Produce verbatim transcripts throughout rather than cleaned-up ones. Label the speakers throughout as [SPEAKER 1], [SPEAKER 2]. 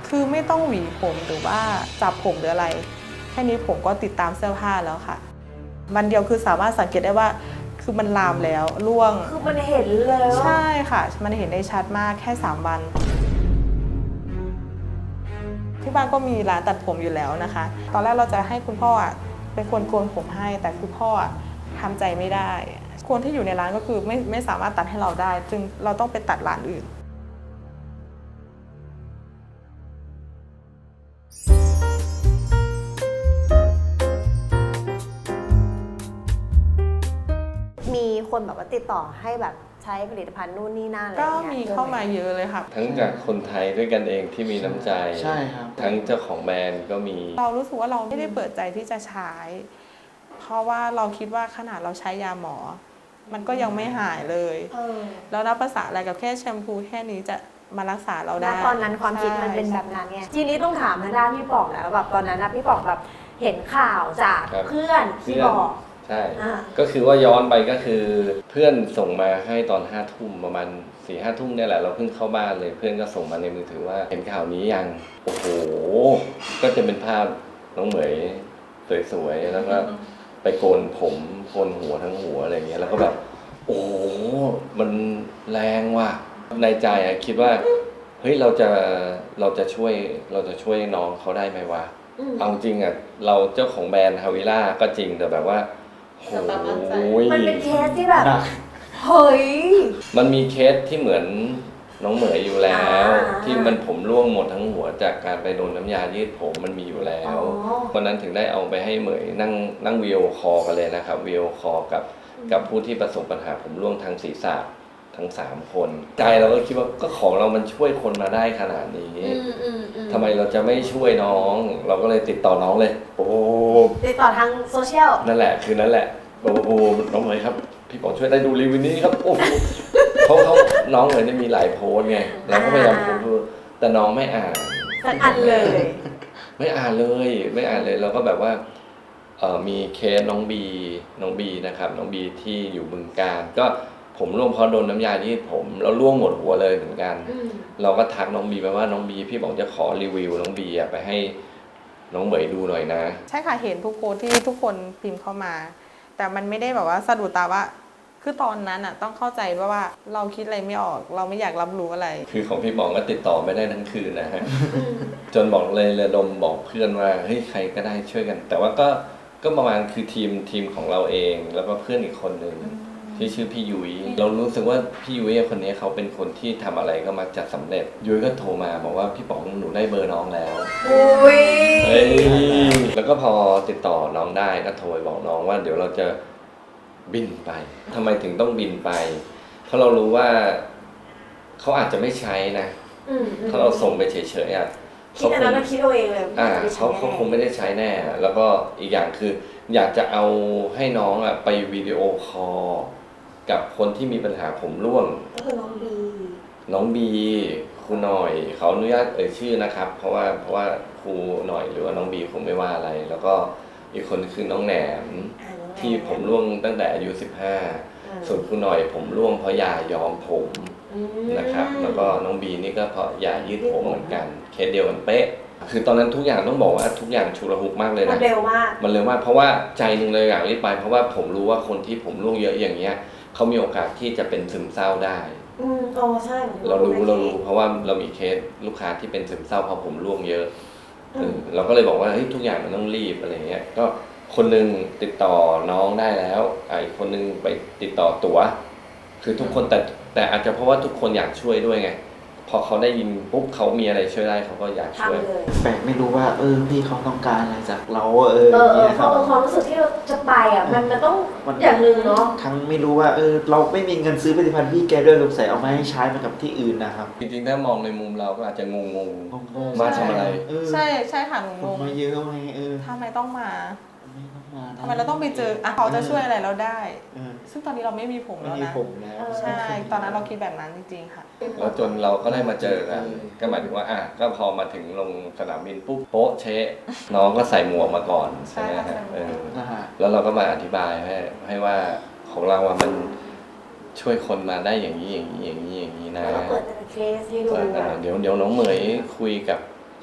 [SPEAKER 1] คือไม่ต้องหวีผมหรือว่าจับผมหรืออะไรแค่นี้ผมก็ติดตามเสื้อผ้าแล้วค่ะวันเดียวคือสามารถสังเกตได้ว่าคือมันลามแล้วร่วง
[SPEAKER 2] คือมันเห็นเลย
[SPEAKER 1] ใช่ค่ะมันเห็นได้ชัดมากแค่สามวันที่บ้านก็มีร้านตัดผมอยู่แล้วนะคะตอนแรกเราจะให้คุณพ่อเป็นคนโกนผมให้แต่คุณพ่อทำใจไม่ได้คนที่อยู่ในร้านก็คือไม่ไม่สามารถตัดให้เราได้จึงเราต้องไปตัดร้านอื่น
[SPEAKER 2] มีคนแบบว่าติดต่อให้แบบใช้ผลิตภัณฑ์นู่นนี่นั่นอะไร
[SPEAKER 1] ก็
[SPEAKER 2] เงี้ย
[SPEAKER 1] มีเข้ามาเยอะเลยค่ะ
[SPEAKER 3] ทั้งจากคนไทยด้วยกันเองที่มีน้ำใจ
[SPEAKER 4] ใช่ครับ
[SPEAKER 3] ทั้งเจ้าของแบรนด์ก็มี
[SPEAKER 1] เรารู้สึกว่าเราไม่ได้เปิดใจที่จะใช้เพราะว่าเราคิดว่าขนาดเราใช้ยาหมอมันก็ยังไม่หายเลยแล้วนับภาษาอะไรกับแค่แชมพูแค่นี้จะมารักษาเราได้
[SPEAKER 2] ตอนนั้นความคิดมันเป็นแบบนั้นไงทีนี้ต้องถามทางด้านพี่ป๋องแล้วแบบตอนนั้นนะพี่ป๋องแบบเห็นข่าวจากเพื่อนที่บอก
[SPEAKER 3] ใช่ก็คือว่าย้อนไปก็คือเพื่อนส่งมาให้ตอนห้าทุ่มประมาณสี่ห้าทุ่มเนี่ยแหละเราเพิ่งเข้าบ้านเลยเพื่อนก็ส่งมาในมือถือว่าเห็นข่าวนี้ยังโอ้โหก็จะเป็นภาพน้องเหมยสวยๆแล้วก็ไปโกนผมโกนหัวทั้งหัวอะไรเงี้ยแล้วก็แบบโอ้โหมันแรงว่ะในใจอะคิดว่าเฮ้ยเราจะเราจะช่วยเราจะช่วยน้องเขาได้ไหมวะเอาจริงอ่ะเราเจ้าของแบรนด์ฮาวิล่าก็จริงแต่แบบว่าโอ้ย
[SPEAKER 2] มันเป็นเคสที่แบบเฮ้ย
[SPEAKER 3] มันมีเคสที่เหมือนน้องเหมยอยู่แล้วที่มันผมร่วงหมดทั้งหัวจากการไปโดนน้ำยายืดผมมันมีอยู่แล้ววันนั้นถึงได้เอาไปให้เหมยนั่งนั่งวีดีโอคอลกันเลยนะครับวีดีโอคอลกับกับผู้ที่ประสบปัญหาผมร่วงทางศีรษะทั้งสามคนใจเราก็คิดว่าก็ของเรามันช่วยคนมาได้ขนาดนี้ทำไมเราจะไม่ช่วยน้องเราก็เลยติดต่อน้องเลยโอ้
[SPEAKER 2] ติดต่อทางโซเชียล
[SPEAKER 3] นั่นแหละคือนั่นแหละโอ้โหน้องเหมยครับพี่บอกช่วยได้ดูรีวิวนี้ครับโอ้เขาเขาน้องเหมยได้มีหลายโพสไงเราก็พยายามโพสแต่น้องไม่อ่าน
[SPEAKER 2] สักอันเลย
[SPEAKER 3] ไม่อ่านเลยไม่อ่านเลยเราก็แบบว่าเอ่อมีเคสน้องบีน้องบีนะครับน้องบีที่อยู่บึงกาฬก็ผมร่วงเพราะโดนน้ำยายืดผมแล้วร่วงหมดหัวเลยเหมือนกันเราก็ทักน้องบีไปว่าน้องบีพี่บอกจะขอรีวิวน้องบีไปให้น้องเหมยดูหน่อยนะ
[SPEAKER 1] ใช่ค่ะเห็นทุกโพสที่ทุกคนพิมพ์เข้ามาแต่มันไม่ได้แบบว่าสะดุดตาว่าคือตอนนั้นอ่ะต้องเข้าใจว่าว่าเราคิดอะไรไม่ออกเราไม่อยากรับรู้อะไร
[SPEAKER 3] คือของพี่บอกก็ติดต่อไม่ได้ทั้งคืนนะฮะจนบอกเลยระดมบอกเพื่อนว่าเฮ้ยใครก็ได้ช่วยกันแต่ว่าก็ก็ประมาณคือทีมทีมของเราเองแล้วก็เพื่อนอีกคนหนึ่งที่ชื่อพี่ยุ้ยเรารู้สึกว่าพี่ยุ้ยคนนี้เขาเป็นคนที่ทำอะไรก็มักจะสำเร็จยุ้ยก็โทรมาบอกว่าพี่ป๋องหนูได้เบอร์น้องแล้ว
[SPEAKER 2] อุ้ย
[SPEAKER 3] เฮ้ยแล้วก็พอติดต่อน้องได้ก็โทรไปบอกน้องว่าเดี๋ยวเราจะบินไปทำไมถึงต้องบินไปเพราะเรารู้ว่าเขาอาจจะไม่ใช้นะถ้าเราส่งไปเฉยๆอ่ะ
[SPEAKER 2] คิดอันนั้นคิดเอาเองเลย
[SPEAKER 3] อ่าเขาเขาคงไม่ได้ใช้แน่แล้วก็อีกอย่างคืออยากจะเอาให้น้องอ่ะไปวิดีโอคอลกับคนที่มีปัญหาผมร่วง
[SPEAKER 2] ก็คือน้องบี
[SPEAKER 3] น้องบีครูหน่อยเขาอนุญาตเอ่ยชื่อนะครับเพราะว่าเพราะว่าครูหน่อยหรือว่าน้องบีคงไม่ว่าอะไรแล้วก็อีกคนคือน้องแหนมที่ผมร่วงตั้งแต่อายุสิบห้าส่วนครูหน่อยผมร่วงเพราะยาย้อมผมนะครับแล้วก็น้องบีนี่ก็เพราะยายืดผมเหมือนกันเคสเดียวกันเป๊ะคือตอนนั้นทุกอย่างต้องบอกว่าทุกอย่างฉุกละหุกมากเลยนะ
[SPEAKER 2] มันเร็วมาก
[SPEAKER 3] มันเร็วมากเพราะว่าใจนึงเลยอยากรีบไปเพราะว่าผมรู้ว่าคนที่ผมร่วงเยอะอย่างเงี้ยเขามีโอกาสที่จะเป็นซึมเศร้าได้
[SPEAKER 2] อืมอ๋อใช่
[SPEAKER 3] เรารู้เรารู้เพราะว่าเรามีเคสลูกค้าที่เป็นซึมเศร้าเพราะผมร่วงเยอะเราก็เลยบอกว่าเฮ้ยทุกอย่างมันต้องรีบอะไรเงี้ยก็คนนึงติดต่อน้องได้แล้วอีกคนนึงไปติดต่อตั๋วคือทุกคนแต่แต่อาจจะเพราะว่าทุกคนอยากช่วยด้วยไงพอเขาได้ยินปุ๊บเขามีอะไรช่วยได้เขาก็อยากช่วย
[SPEAKER 4] แปลกไม่รู้ว่าเออพี่เขาต้องการอะไรจากเราเอ
[SPEAKER 2] อเออเพราะความรู้สึกที่เราจะไปอ่ะมันมันต้องอย่างนึงเนาะ
[SPEAKER 4] ทั้งไม่รู้ว่าเออเราไม่มีเงินซื้อผลิตภัณฑ์พี่แกด้วยลูกใส่เอามาให้ใช้มากับที่อื่นนะครับ
[SPEAKER 3] จริงๆถ้ามองในมุมเราก็อาจจะงงงมาทำอะไร
[SPEAKER 1] ใช่ใช่ค่ะงง
[SPEAKER 4] มาเยอะไงเออ
[SPEAKER 1] ทำไมต้องมาทำไมเราต้องไปเจออ่ะเขาจะช่วยอะไรเราได้ซึ่งตอนนี้เราไม่มีผมแล้วนะใช่ตอนนั้นเราคิดแบบนั้นจริงๆค่ะ
[SPEAKER 3] แล้วจนเราก็ได้มาเจอกันก็หมายถึงว่าอ่ะก็พอมาถึงลงสนามบินปุ๊บโป๊ะเชะน้องก็ใส่หมวกมาก่อนใช่ไหมฮะแล้วเราก็มาอธิบายให้ให้ว่าของเราอ่ะมันช่วยคนมาได้อย่างนี้อย่างนี้อย่างนี้อย่างนี้นะ
[SPEAKER 2] เราเปิดเป็นเคสให้ดู
[SPEAKER 3] เดี๋ยวเดี๋ยวน้องเหมยคุยกับค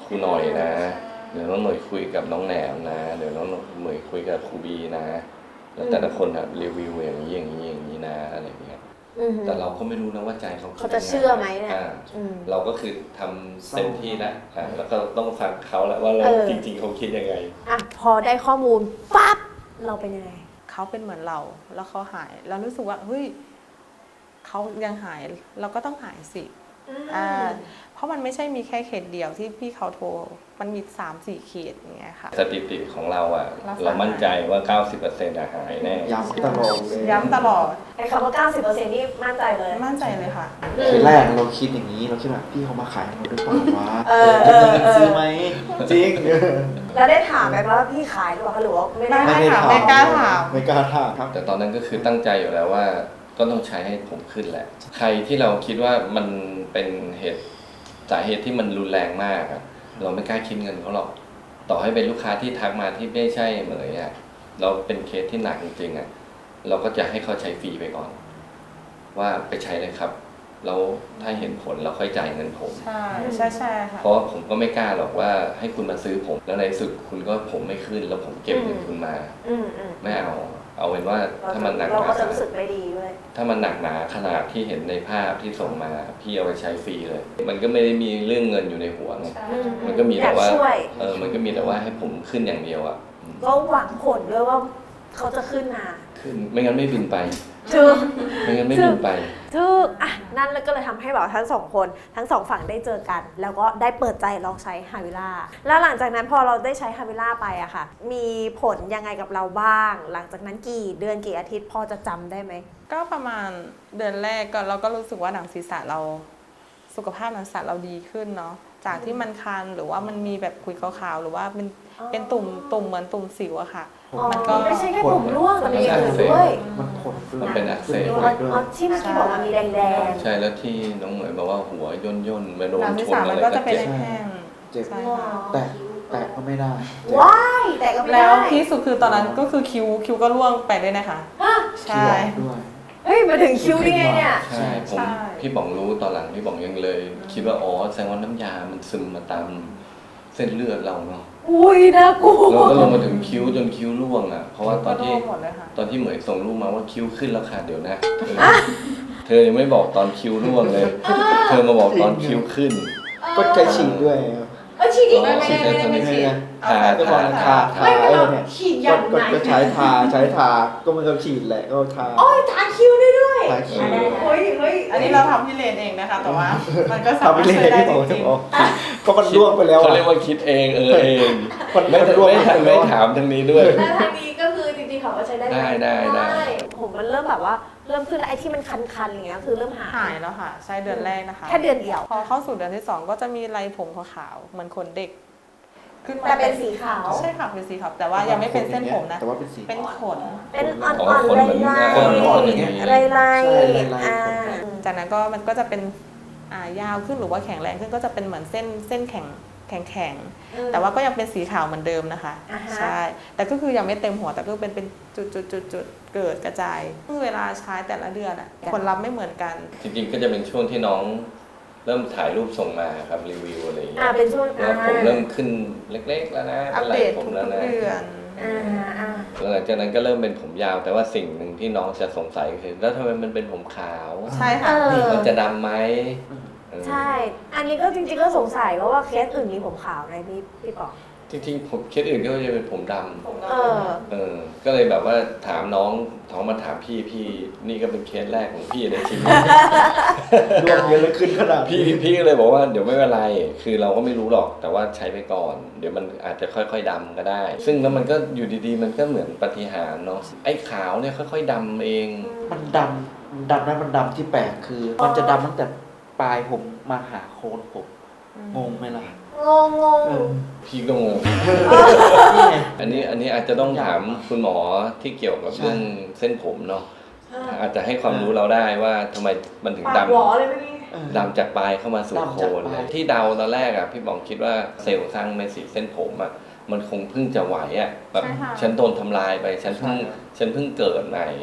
[SPEAKER 3] ครูหน่อยนะเดี๋ยวน้องหน่อยคุยกับน้องแหนมนะเดี๋ยวน้องหน่อยคุยกับครูบีนะแล้วแต่ละคนอะรีวิวอย่างนี้อย่างนี้อย่างนี้นะอะไรอย่างเงี้ย
[SPEAKER 2] อือหือ
[SPEAKER 3] แต่เราก็ไม่รู้นะว่าใจเขาคิด
[SPEAKER 2] เขาจะ
[SPEAKER 3] ยังไง
[SPEAKER 2] เชื่อไหมเนี่ย
[SPEAKER 3] อ่า
[SPEAKER 2] อืม
[SPEAKER 3] เราก็คือทำเต็มที่แล้วอ่าแล้วก็ต้องฟังเขาแล้วว่าเรา
[SPEAKER 2] เออ
[SPEAKER 3] จริง ๆเขาคิดยังไง
[SPEAKER 2] อ่ะพอได้ข้อมูลปั๊บเราเป็นยังไง
[SPEAKER 1] เขาเป็นเหมือนเราแล้วเขาหายเรารู้สึกว่าเฮ้ยเขายังหายเราก็ต้องหายสิอ่าเพราะมันไม่ใช่มีแค่เขตเดียวที่พี่เขาโทรมันมีสามสี่เขตอย่างเงี้ยค่ะ
[SPEAKER 3] สถิติของเราอ่ะ
[SPEAKER 1] รักษา
[SPEAKER 3] เรามั่นใจว่า เก้าสิบเปอร์เซ็นต์ อะหายแน่
[SPEAKER 4] ย้ำตลอดเลย
[SPEAKER 1] ย้ำตลอด
[SPEAKER 2] ไอ้คำว่า เก้าสิบเปอร์เซ็นต์ นี่มั่นใจเลย
[SPEAKER 1] มั่นใจเลยค่ะ
[SPEAKER 4] ทีแรกเราคิดอย่างนี้เราคิดแบบพี่เขามาขายเราด้วยเปล่าวะ
[SPEAKER 2] เออ
[SPEAKER 4] จะมี
[SPEAKER 2] เออ
[SPEAKER 4] เงินซื้อไหมจริง
[SPEAKER 2] แล้วได้ถามไหมว่าพี่ขายหรือเปล่าหรือว่าไม่ได้
[SPEAKER 1] ไม่ถามไม่กล้าถาม
[SPEAKER 4] ไม่กล้าถามครับ
[SPEAKER 3] แต่ตอนนั้นก็คือตั้งใจอยู่แล้วว่าก็ต้องใช้ให้ผมขึ้นแหละ ใครที่เราคิดว่ามันเป็นเหตุสาเหตุที่มันรุนแรงมากอะเราไม่กล้าคิดเงินเขาหรอกต่อให้เป็นลูกค้าที่ทักมาที่ไม่ใช่เหมยอะเราเป็นเคสที่หนักจริงๆอะเราก็จะให้เขาใช้ฟรีไปก่อน ว่าไปใช้เลยครับแล้วถ้าเห็นผลเราค่อยจ่ายเงินผม
[SPEAKER 1] ใช่ใช่ใช่ค่ะ
[SPEAKER 3] เพราะผมก็ไม่กล้าหรอกว่าให้คุณมาซื้อผมแล้วในที่สุดคุณก็ผมไม่ขึ้นแล้วผมเก็บเงินคุณมา
[SPEAKER 2] อืมอืม
[SPEAKER 3] ไม่เอา เอาเป็นว่าถ้ามันหนักห
[SPEAKER 2] เรา
[SPEAKER 3] นา
[SPEAKER 2] ก็จะรู้สึกไม่ดีด้วย
[SPEAKER 3] ถ้ามันหนักหนาขนาดที่เห็นในภาพที่ส่งมาพี่เอาไปใช้ฟรีเลย มันก็ไม่ได้มีเรื่องเงินอยู่ในหัวไง
[SPEAKER 1] ใช่
[SPEAKER 3] มันก็มีแต่ว่า
[SPEAKER 2] อยากช่วย
[SPEAKER 3] เออมันก็มีแต่ว่าให้ผมขึ้นอย่างเดียวอ่ะอืม
[SPEAKER 2] ก็หวังผลด้วยว่าเขาจะขึ้นมา
[SPEAKER 3] ขึ้นไม่งั้นไม่บินไป
[SPEAKER 2] ถูก
[SPEAKER 3] ไม่งั้นไม่บินไป
[SPEAKER 2] ถูกอ่ะนั่นก็เลยทำให้แบบทั้งสองคนทั้งสองฝั่งได้เจอกัน แล้วก็ได้เปิดใจลองใช้ฮาวิล่าแล้วหลังจากนั้นพอเราได้ใช้ฮาวิล่าไปอะค่ะ มีผลยังไงกับเราบ้าง หลังจากนั้นกี่เดือนกี่อาทิตย์พอจะจำได้ไหม
[SPEAKER 1] ก็ประมาณเดือนแรกก็เราก็รู้สึกว่าหนังศีรษะเราสุขภาพหนังศีรษะเราดีขึ้นเนาะจากที่มันคันหรือว่ามันมีแบบขุยขาวๆหรือว่าเป็น
[SPEAKER 2] อ๋อ
[SPEAKER 1] เป็นตุ่มตุ่มเหมือนตุ่มสิวอะค่ะ
[SPEAKER 2] อ๋อ
[SPEAKER 1] มันก็
[SPEAKER 2] ไม่ใช่แค่ผมร่วงแต่มีอย่างอื่นด้วย
[SPEAKER 4] มันผลด้วย
[SPEAKER 3] มันเป็นอักเสบ
[SPEAKER 2] อ๋
[SPEAKER 4] ผ
[SPEAKER 2] อ
[SPEAKER 4] ลด้วย
[SPEAKER 2] อ๋อที่เมื่อกี้บอกว่ามีแดง
[SPEAKER 3] ใช่แล้วที่น้องเหมยบอกว่าหัวย่นย่นๆมาโดน
[SPEAKER 1] หนังศีร
[SPEAKER 3] ชน
[SPEAKER 1] ษะ
[SPEAKER 3] อะ
[SPEAKER 1] มัน
[SPEAKER 3] ไร
[SPEAKER 1] ก็
[SPEAKER 3] ก็
[SPEAKER 1] จะเป็น
[SPEAKER 3] เจ็บ
[SPEAKER 1] แห้ง
[SPEAKER 4] เจ็บ
[SPEAKER 1] ใช่
[SPEAKER 2] ๆว้า
[SPEAKER 1] ค่ะ
[SPEAKER 2] ว
[SPEAKER 4] แต่แต่ก็ไม่ได้เจ็บ
[SPEAKER 2] ว้ายแต่ก็ไม่
[SPEAKER 1] แล้ว
[SPEAKER 2] ได้
[SPEAKER 1] ที่สุดคือตอนนั้นก็คือคิวคิวก็ร่วงไปด้วยนะคะ
[SPEAKER 2] ฮะ
[SPEAKER 1] ใช่
[SPEAKER 4] คิ้วออกด้วย
[SPEAKER 2] เฮ้ยมาถึงคิวได้ไงเนี่ย
[SPEAKER 3] ใช่ผม
[SPEAKER 1] ใช่
[SPEAKER 3] พี่ป๋องรู้ตอนหลังพี่ป๋องยังเลย คิดว่าอ๋อแสดงว่าน้ำยามันซึมมาตามเส้นเลือดเราเนาะ
[SPEAKER 2] อุ้ยน่ากลัว
[SPEAKER 3] เราก็ลงมาถึงคิ้วจนคิ้วร่วงอ่ะเพราะว่าตอนที่
[SPEAKER 1] ก็ร่วงหมดเลยค่ะ
[SPEAKER 3] ตอนที่เหมยส่งรูปมาว่าคิ้วขึ้นแล้วค่ะเดี๋ยวนะเออเธอยังไม่บอกตอนคิ้วร่วงเลย เธอมาบอกตอนคิ้วขึ้น
[SPEAKER 4] ก็ใช้ฉีดด้วย
[SPEAKER 2] เออฉีดอีก
[SPEAKER 3] อ๋อ
[SPEAKER 2] ไม่ได้ไม่ได้ไม่ได้
[SPEAKER 3] ฉี
[SPEAKER 2] ฉี
[SPEAKER 3] ด
[SPEAKER 2] ด
[SPEAKER 3] ทา
[SPEAKER 4] ก็บอ
[SPEAKER 3] ทาก
[SPEAKER 4] ทา
[SPEAKER 3] ทา
[SPEAKER 4] ทาเออเนี่ย
[SPEAKER 2] ฉีดยั
[SPEAKER 4] ก็
[SPEAKER 2] ง
[SPEAKER 4] ก็
[SPEAKER 2] ไง
[SPEAKER 4] ก็ใช้ทาใช้ทาก็มันก็ฉีดแหละก็ทา
[SPEAKER 2] โอ้ยทาคิ้วได้ด้วย
[SPEAKER 4] ทาคิ้ว
[SPEAKER 2] เฮ้ยเฮ้ย
[SPEAKER 1] อันนี้เราทำที่เลนเองนะคะ แต่ว่ามันก็สา
[SPEAKER 4] ทำไป
[SPEAKER 1] มารถ
[SPEAKER 4] เลย
[SPEAKER 1] ช่วยได้
[SPEAKER 4] ที่
[SPEAKER 1] จ
[SPEAKER 4] บอก
[SPEAKER 1] ริ
[SPEAKER 4] ที่
[SPEAKER 1] ง
[SPEAKER 4] บอกก็มันร่วงไปแล้ว
[SPEAKER 3] เขา
[SPEAKER 4] อะ
[SPEAKER 3] เรียกว่าคิดเองเออเอง
[SPEAKER 4] มัน
[SPEAKER 3] ไม่
[SPEAKER 4] มันร่วง
[SPEAKER 3] ไม่
[SPEAKER 4] ไป
[SPEAKER 3] ถาม
[SPEAKER 4] แล้
[SPEAKER 3] ไม่
[SPEAKER 4] ว
[SPEAKER 3] ถามทางนี้ด้วย
[SPEAKER 2] แล้วทางนี้ก็คือจริงๆเขาก็ใช้ได้หม
[SPEAKER 3] ได้ได้ได้
[SPEAKER 2] ผมมันเริ่มแบบว่าเริ่มขึ้นแล้วไอ้ที่มันคันๆอย่างเงี้ยคือเริ่มหาย
[SPEAKER 1] ๆหายแล้วค่ะ ใช่เดือนแรกนะคะ
[SPEAKER 2] แค่เดือนเดียว
[SPEAKER 1] พอเข้าสู่เดือนที่สองก็จะมีไรผมขาวๆเหมือนขนเด็ก ขึ้นมา
[SPEAKER 2] แต่เป็นสีขาว
[SPEAKER 1] ใช่ค่ะเป็นสีขาวแต่ว่ายังไม่เป็นเส้นผมนะ
[SPEAKER 4] แต่ว่าเป็นสี
[SPEAKER 1] เป็นขน
[SPEAKER 2] เป็นอ่
[SPEAKER 3] อ๋อ
[SPEAKER 2] อน
[SPEAKER 3] คน
[SPEAKER 2] ๆ
[SPEAKER 3] เหมือน
[SPEAKER 2] ลาย
[SPEAKER 3] คนเหมือนคน
[SPEAKER 2] ๆ
[SPEAKER 3] อย่างนี้
[SPEAKER 2] ลายๆลาย
[SPEAKER 4] ใช่ลายๆ
[SPEAKER 2] อ่า
[SPEAKER 1] จากนั้นก็มันก็จะเป็นอ่ายาวขึ้นหรือว่าแข็งแรงขึ้นก็จะเป็นเหมือนเส้นเส้นแข็งแข็งแข็งๆแต่ว่าก็ยังเป็นสีขาวเหมือนเดิมนะคะ
[SPEAKER 2] อ่าฮะ
[SPEAKER 1] ใช่แต่ก็คือยังไม่เต็มหัวแต่ก็เป็นเป็นจุดจุดจุดจุดๆเกิดกระจายเวลาใช้แต่ละเดือนอะผลลัพธ์ไม่เหมือนกัน
[SPEAKER 3] จริงๆก็จะเป็นช่วงที่น้องเริ่มถ่ายรูปส่งมาครับรีวิวอะไรอย่างเงี้
[SPEAKER 2] อ่าย เป็นช่วง
[SPEAKER 3] แล้วผมเริ่มขึ้นเล็กๆแล้วนะ
[SPEAKER 1] อั
[SPEAKER 3] เป็
[SPEAKER 1] ป
[SPEAKER 3] นไหล่
[SPEAKER 1] เดต
[SPEAKER 3] ผม
[SPEAKER 1] ทุก
[SPEAKER 3] แล้วนะ
[SPEAKER 1] ๆเดือน
[SPEAKER 2] อ่าอ่า
[SPEAKER 3] แล้วหลังจากนั้นก็เริ่มเป็นผมยาว แต่ว่าสิ่งหนึ่งที่น้องจะสงสัยคือแล้วทำไมมันเป็นผมขาว
[SPEAKER 1] ใช่
[SPEAKER 2] เอ
[SPEAKER 1] ค่ะ
[SPEAKER 2] อ
[SPEAKER 3] มันจะดำไหมเออ
[SPEAKER 2] ใช่ อันนี้ก็จริงๆก็สงสัยว่าว่าเคสอื่นมีผมขาวไหมพี่พี่ปอก
[SPEAKER 3] จริงๆผมเคสอื่นก็จะเป็นผมดำ
[SPEAKER 2] เออ
[SPEAKER 3] เออ ก็เลยแบบว่าถามน้องท้องมาถามพี่พี่นี่ก็เป็นเคสแรกของพี่ในชีวิต
[SPEAKER 4] ร่วงเยอะเลยขึ้นขนาด
[SPEAKER 3] พี่พี่ก็เลยบอกว่าเดี๋ยวไม่เป็นไร คือเราก็ไม่รู้หรอก แต่ว่าใช้ไปก่อน เดี๋ยวมันอาจจะค่อยๆดำก็ได้ ซึ่งแล้วมันก็อยู่ดีๆ มันก็เหมือนปาฏิหาริย์เนาะ ไอ้ขาวเนี่ยค่อยๆดำเอง
[SPEAKER 4] มันดำมันดำนะมันดำที่แปลกคือ มันจะดำตั้งแต่ปลายผมมาหาโคนผมงงไหมล่ะ
[SPEAKER 2] งงงง
[SPEAKER 4] เออ
[SPEAKER 3] พี่ก็งง
[SPEAKER 4] นี่ไง
[SPEAKER 3] อันนี้อันนี้อาจจะต้องถามคุณหมอที่เกี่ยวกับเรื่องเส้นผมเนาะ อาจจะให้ความรู้เราได้ว่าทำไมมันถึง
[SPEAKER 2] ปาก
[SPEAKER 3] ดำ
[SPEAKER 2] หวอเลยเมื่อกี้
[SPEAKER 4] เออ
[SPEAKER 3] ดำจากปลายเข้ามาสู่
[SPEAKER 4] ดำ
[SPEAKER 3] โค
[SPEAKER 4] จาก
[SPEAKER 3] น
[SPEAKER 4] ปลาย
[SPEAKER 3] ที่เดาตอนแรกอ่ะพี่บองคิดว่าเซลล์สร้างเม็ดสีเส้นผมอ่ะมันคงเพิ่งจะไหวอ่ะแบบ
[SPEAKER 1] ใช่ค่ะ
[SPEAKER 3] ฉันโดนทำลายไปฉันเพิ่ง
[SPEAKER 4] ใช่
[SPEAKER 3] ฉันเพิ่งเกิดใหม่
[SPEAKER 2] อืม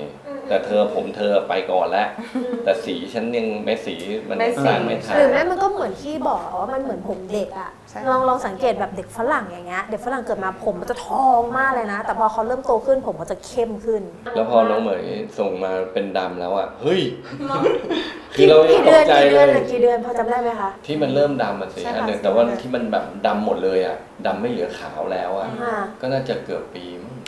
[SPEAKER 3] แต่เธอผมเธอไปก่อนแล้วแต่สีฉันยังไม่สีมัน
[SPEAKER 1] ไม่สี
[SPEAKER 3] สร้างไม่ทัน
[SPEAKER 2] หรือแม่มันก็เหมือนที่บอกว่ามันเหมือนผมเด็กอะ
[SPEAKER 1] ใช่
[SPEAKER 2] ลองลองสังเกตแบบเด็กฝรั่งอย่างเงี้ยเด็กฝรั่งเกิดมาผมมันจะทองมากเลยนะ แต่พอเขาเริ่มโตขึ้นผมก็จะเข้มขึ้น
[SPEAKER 3] แล้วพอน้องเหมยส่งมาเป็นดำแล้วอ่ะเฮ้ยคื
[SPEAKER 2] กี่
[SPEAKER 3] อเรายัง
[SPEAKER 2] กี่
[SPEAKER 3] ต
[SPEAKER 2] เดือก น
[SPEAKER 3] ใจ
[SPEAKER 2] กี่
[SPEAKER 3] เล
[SPEAKER 2] เดือน
[SPEAKER 3] ย
[SPEAKER 2] หรือกี่เดือนพอจำได้ไหมคะ
[SPEAKER 3] ที่มันเริ่มดำมันสิ
[SPEAKER 1] ใช่
[SPEAKER 3] อัน
[SPEAKER 1] ค่ะ
[SPEAKER 3] หนึ่งแต่ว่า
[SPEAKER 1] สี่เดือน
[SPEAKER 3] ที่มันแบบดำหมดเลยอ่ะดำไม่เหลือขาวแล้วอ่ะ
[SPEAKER 2] อ่า
[SPEAKER 3] ก็น่าจะเกือบปีมั้ง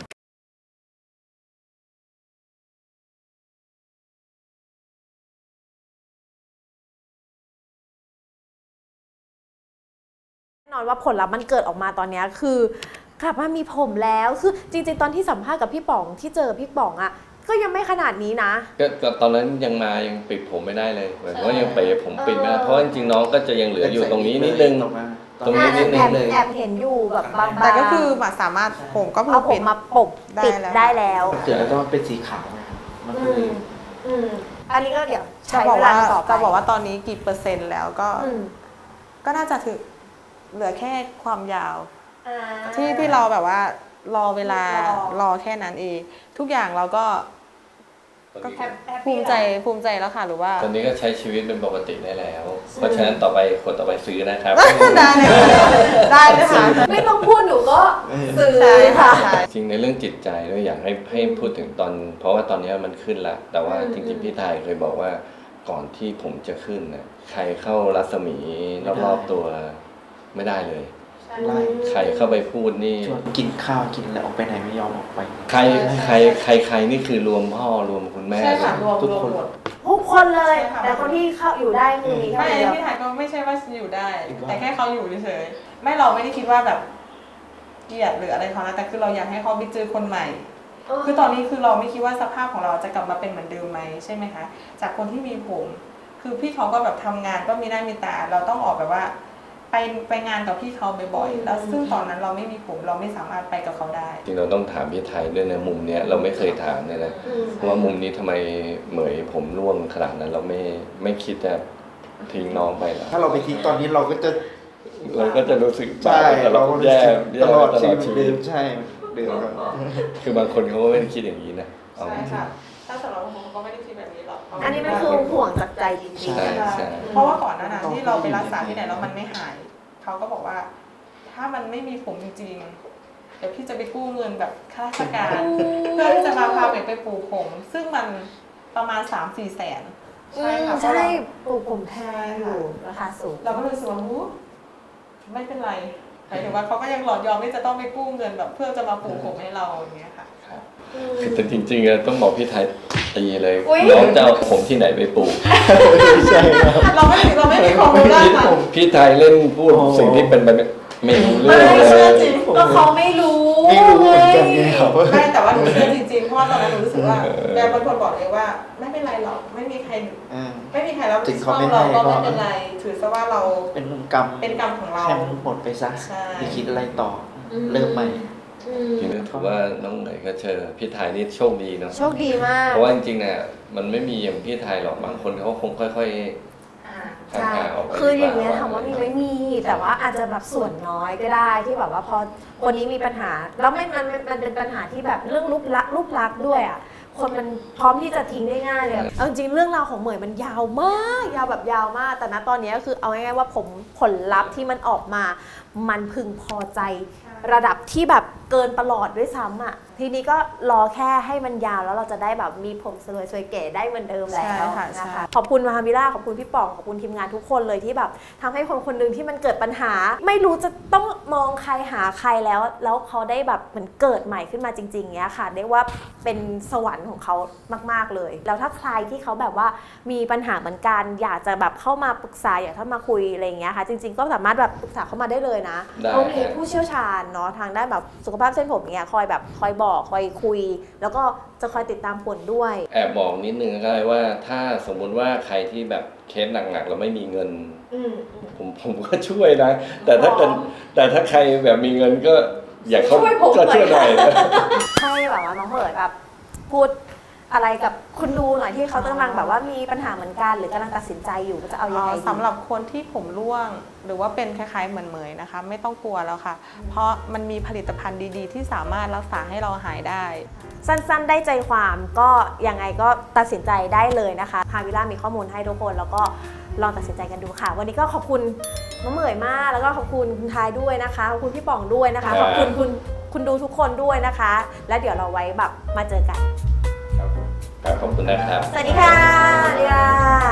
[SPEAKER 2] แน่นอนว่าผลลัพธ์มันเกิดออกมาตอนเนี้ยคือกลับมามีผมแล้วคือจริงๆตอนที่สัมภาษณ์กับพี่ป๋องที่เจอพี่ป๋องอ่ะก็ยังไม่ขนาดนี้นะ
[SPEAKER 3] ก็ก็ตอนนั้นยังมายังปิดผมไม่ได้เลยเหมือนว่ายังเปย์ผมปิดไม่ได้เพราะว่าจริงๆน้องก็จะยังเหลืออยู่ตรงนี้นิดนึง
[SPEAKER 4] ตรงนั้น
[SPEAKER 3] ตรงนี้นิดนึ
[SPEAKER 2] แอง บแอบเห็นอยู่แบบบางๆ
[SPEAKER 1] แต่ก็คือมาสามารถผมก็
[SPEAKER 2] เอาผ
[SPEAKER 1] ปิ
[SPEAKER 2] ม
[SPEAKER 1] ด
[SPEAKER 2] มาปกปิด
[SPEAKER 1] ได้แล้ว
[SPEAKER 2] ได้แล้ว
[SPEAKER 4] เสร็จแล้วก็เป็นสีขาวนะครับมันก็
[SPEAKER 2] อื
[SPEAKER 4] เลย
[SPEAKER 2] มอืมอันนี้ก็เดี๋ยว
[SPEAKER 1] จะ
[SPEAKER 2] ใช้
[SPEAKER 1] บอก
[SPEAKER 2] เวลา
[SPEAKER 1] ว่า
[SPEAKER 2] ต่อไป
[SPEAKER 1] จะบอกว่าตอนนี้กี่เปอร์เซ็นต์แล้วก็
[SPEAKER 2] อืม
[SPEAKER 1] ก็น่าจะถึงเหลือแค่ความยาว
[SPEAKER 2] อ่า
[SPEAKER 1] ที่ที่เราแบบว่ารอเวลาร
[SPEAKER 2] อ
[SPEAKER 1] รอแค่นั้นเอง ทุกอย่างเราก็ก็
[SPEAKER 2] แฮปแฮป
[SPEAKER 1] ภู
[SPEAKER 2] ปี้
[SPEAKER 1] มิใจภูมิใจแล้วค่ะหรือว่า
[SPEAKER 3] ตอนนี้ก็ใช้ชีวิตเป็นปกติได้แล้ว เพราะฉะนั้นต่อไปคนต่อไปซื้อนะครับ
[SPEAKER 1] ได้เลยได้เลยค่ะ
[SPEAKER 2] ไม่ต้องพูดหนูก็ซื้อ
[SPEAKER 1] ใช่ค่ะ
[SPEAKER 2] ค่ะ
[SPEAKER 1] ใช่
[SPEAKER 3] จริงในเรื่องจิตใจด้วยอยากให้ให้พูดถึงตอน เพราะว่าตอนนี้มันขึ้นละแต่ว่า
[SPEAKER 2] อืม
[SPEAKER 3] จริงๆพี่ไทยเคยบอกว่าก่อนที่ผมจะขึ้นน่ะใครเข้ารัศมีรอบๆตัวไม่ได้เลย
[SPEAKER 4] ไล่
[SPEAKER 3] ใครเข้าไปพูดนี่
[SPEAKER 4] ชวนกินข้าวกินอะไรออกไปไหนไม่ยอมออกไป
[SPEAKER 3] ใครใครใครใครนี่คือรวมพ่อรวมคุณแม่
[SPEAKER 1] ใช่
[SPEAKER 3] เล
[SPEAKER 1] ค่ะ
[SPEAKER 3] ย
[SPEAKER 1] รวม
[SPEAKER 4] ทุก
[SPEAKER 1] รว
[SPEAKER 4] ค
[SPEAKER 1] ม
[SPEAKER 4] น
[SPEAKER 1] หมด
[SPEAKER 2] ทุกคนเลย
[SPEAKER 1] ใช่ค่ะ
[SPEAKER 2] แต่คนที่เข้าอยู่ได้คือมีแค่
[SPEAKER 1] ไม่
[SPEAKER 2] คนเดียว
[SPEAKER 1] พี่ถ่ายก็ไม่ใช่ว่าอยู่ได้
[SPEAKER 4] อยู่ได้
[SPEAKER 1] แต่แค่เขาอยู่เฉยๆไม่เราไม่ได้คิดว่าแบบเกลียดหรืออะไรเขานะแต่คือเราอยากให้เขาไปเจอคนใหม่ คือตอนนี้คือเราไม่คิดว่าสภาพของเราจะกลับมาเป็นเหมือนเดิมไหมใช่ไหมคะจากคนที่มีผม คือพี่เขาก็แบบทำงานก็มีหน้ามีตา เราต้องออกแบบว่า ไปไปงานกับพี่เขาบ่อยๆแล้วซึ่งตอนนั้นเราไม่มีผมเราไม่สามารถไปกับเขาได้
[SPEAKER 3] จริงเราต้องถามพี่ไทยด้วยนะมุมเนี้ยเราไม่เคยถามเลยนะ
[SPEAKER 2] อืม
[SPEAKER 3] เพราะว่ามุมนี้ทำไมเหมยผมร่วงขนาดนั้น เราไม่ไม่คิดจะทิ้งน้องไปหรอ
[SPEAKER 4] ถ้าเราไปทิ้งตอนนี้เราก็จะ
[SPEAKER 3] เราก็จะรู้สึก
[SPEAKER 4] ใช่
[SPEAKER 3] ตล
[SPEAKER 4] เรา
[SPEAKER 3] อด
[SPEAKER 4] ก็รู้
[SPEAKER 3] แย่
[SPEAKER 4] สึก
[SPEAKER 3] แย่
[SPEAKER 4] ตลอด
[SPEAKER 3] ตล
[SPEAKER 4] ชี
[SPEAKER 3] อ
[SPEAKER 4] วิ
[SPEAKER 3] ด
[SPEAKER 4] ต
[SPEAKER 3] ชี
[SPEAKER 4] เดิ
[SPEAKER 3] วิต
[SPEAKER 4] มใช่เดิมครับ
[SPEAKER 3] คือบางคนเขาก็ไม่ได้คิดอย่างนี้นะเอา
[SPEAKER 1] ใช่
[SPEAKER 3] จริง
[SPEAKER 1] ค่ะ ถ้าสำหรับผมก็ไม่ได้คิดแบบนี้หรอก
[SPEAKER 2] อันนี้มันคือห่วงจากใจจริง
[SPEAKER 3] ใช่
[SPEAKER 2] ๆ
[SPEAKER 3] ใช่
[SPEAKER 1] เพราะว่าก่อนหน้านั้นที่เราไปรักษาที่ไหนแล้วมันไม่หาย เขาก็บอกว่า ถ้ามันไม่มีผมจริงๆ เดี๋ยวพี่จะไปกู้เงินแบบข้าราชการ เพื่อที่จะมาพาเด็กไปปลูกผม ซึ่งมันประมาณ สามสี่แสน
[SPEAKER 2] อื
[SPEAKER 1] ใช่
[SPEAKER 2] ม
[SPEAKER 1] ค่ะ
[SPEAKER 2] ใช่ปลูกผมแพงอยู่ราคาสูง
[SPEAKER 1] เราก็เลยรู้สึกว่าหูไม่เป็นไรหมายถึงว่าเขาก็ยังหลอดยอมที่จะต้องไปกู้เงินแบบเพื่อจะมาปลูกผมให้เราอย่างเงี้ยค่ะ
[SPEAKER 3] ครับคือแต่จริงๆอะต้องบอกพี่ไทยตีเลย
[SPEAKER 2] อุ๊ย
[SPEAKER 3] น้องจะเอาผมที่ไหนไปปลูก
[SPEAKER 4] ใช่ครับ
[SPEAKER 1] เราไม่เราไม่มีความรู้ด้านนั้น
[SPEAKER 3] พี่ไทยเล่นพูด
[SPEAKER 4] โอ้
[SPEAKER 3] สิ่งที่เป็นไปไม่ไม่รู้เรื่
[SPEAKER 2] ไม่
[SPEAKER 3] องเล
[SPEAKER 2] เชื่อย จริงก็เขาไม่รู้
[SPEAKER 4] ไม่รู้เหมือนกันไงครับ
[SPEAKER 1] ไม่แต่ว่าหนูเชื่อจริงๆ เพราะว่าตอนนั้นหนูรู้สึกว่าแกเป็นคนบอกเองว่า ไม่เป็นไรหรอกไม่มีใคร
[SPEAKER 4] อ่า
[SPEAKER 1] ไม่มีใครรับ
[SPEAKER 4] ถึ
[SPEAKER 1] ผิด
[SPEAKER 4] ง
[SPEAKER 1] ช
[SPEAKER 4] เขา
[SPEAKER 1] อบ
[SPEAKER 4] ไม่
[SPEAKER 1] เรา
[SPEAKER 4] ให้
[SPEAKER 1] ก็
[SPEAKER 4] ก็
[SPEAKER 1] ไม่เป็นไร ถือซะว่าเรา
[SPEAKER 4] เป็นกรรม
[SPEAKER 1] เป็นกรรมของเรา
[SPEAKER 4] ให้มันหมดไปซะ
[SPEAKER 1] ใช่
[SPEAKER 4] ไปคิดอะไรต่ออเริ่มใหม่
[SPEAKER 2] อืม
[SPEAKER 3] จริงๆถือว่าน้องเหนยก็เจอพี่ไทยนี่โชคดีเนาะ
[SPEAKER 2] โชคดีมาก
[SPEAKER 3] เพราะว่าจริงๆเนี่ยมันไม่มีอย่างพี่ไทยหรอกบางคนเขาคงค่อย
[SPEAKER 1] อ่า
[SPEAKER 3] ๆ
[SPEAKER 2] ใช่
[SPEAKER 3] ห่างๆออกไป
[SPEAKER 2] คืออย่างเงี้ย
[SPEAKER 3] ดีก
[SPEAKER 2] ถามว่ามีไหม่มี แต่ว่าอาจจะแบบส่วนน้อยก็ได้ที่แบบว่าพอคนนี้มีปัญหา แล้วไม่มันมันมันเป็นปัญหาที่แบบเรื่องรูปลักษณ์รูปลักษณ์ด้วยอ่ะ คนมันพร้อมที่จะทิ้งได้ง่ายเลยเอาจริงๆเรื่องราวของเหมยมันยาวมาก ยาวแบบยาวมาก แต่ณตอนนี้ก็คือเอาง่ายๆว่าผมผลลัพธ์ที่มันออกมา มันพึงพอใจระดับที่แบบเกินประหลอดด้วยซ้ำอ่ะ ทีนี้ก็รอแค่ให้มันยาวแล้วเราจะได้แบบมีผมสวยสวยๆเก๋ได้เหมือนเดิมแล้ว
[SPEAKER 1] ใช่ค่ะ
[SPEAKER 2] นะ
[SPEAKER 1] ใช่
[SPEAKER 2] คะ ขอบคุณมาฮามิล่าขอบคุณพี่ป๋องขอบคุณทีมงานทุกคนเลยที่แบบทำให้คนคนหนึ่งที่มันเกิดปัญหา ไม่รู้จะต้องมองใครหาใครแล้ว แล้วเขาได้แบบเหมือนเกิดใหม่ขึ้นมาจริงๆเงี้ยค่ะเรียกว่าเป็นสวรรค์ของเขามากๆเลย แล้วถ้าใครที่เขาแบบว่ามีปัญหาเหมือนกัน อยากจะแบบเข้ามาปรึกษาอยากเข้ามาคุยอะไรอย่างเงี้ยค่ะ จริง ๆก็สามารถแบบปรึกษาเข้ามาได้เลยนะ
[SPEAKER 3] ได้
[SPEAKER 2] เขามีผู้เชี่ยวชาญเนาะทางด้านแบบสุขภาพเส้นผมเงี้ยคอยแบบคอยบอกคอยคุย แล้วก็จะคอยติดตามผลด้วย
[SPEAKER 3] แอบบอกนิดนึงก็ได้ว่าถ้าสมมุติว่าใครที่แบบเคสหนักๆแล้วไม่มีเงิน
[SPEAKER 2] อืม
[SPEAKER 3] ผมผมก็ช่วยนะ แต่ถ้าเป็นแต่ถ้าใครแบบมีเงินก็อยากเขา
[SPEAKER 2] ช่วยผม
[SPEAKER 3] ก็ช่วยห
[SPEAKER 2] หน่
[SPEAKER 3] น่
[SPEAKER 2] อ
[SPEAKER 3] อย ยนะ
[SPEAKER 2] ให้แบบว่าน้องเหมยแบบพูดอะไรกับคุณดูหน่อยที่เขากำลังแบบว่ามีปัญหาเหมือนกันหรือกำลังตัดสินใจอยู่ว่าจะเอายังไงดี
[SPEAKER 1] สำหรับคนที่ผมร่วงหรือว่าเป็นคล้ายๆเหมือนเหมยนะคะ ไม่ต้องกลัวแล้วค่ะ เพราะมันมีผลิตภัณฑ์ดีๆ ที่สามารถรักษาให้เราหายได้
[SPEAKER 2] สั้นๆได้ใจความก็ยังไงก็ตัดสินใจได้เลยนะคะฮาวิล่ามีข้อมูลให้ทุกคนแล้วก็ลองตัดสินใจกันดูค่ะ วันนี้ก็ขอบคุณน้องเหมยมากแล้วก็ขอบคุณคุณทายด้วยนะคะขอบคุณพี่ป๋องด้วยนะคะขอบคุณคุณคุณดูทุกคนด้วยนะคะ แล้วเดี๋ยวเราไว้แบบมาเจอกัน
[SPEAKER 3] ครับผมครับขอบคุณนะครับ
[SPEAKER 2] สวัสดีค่ะสวัสดีค่ะ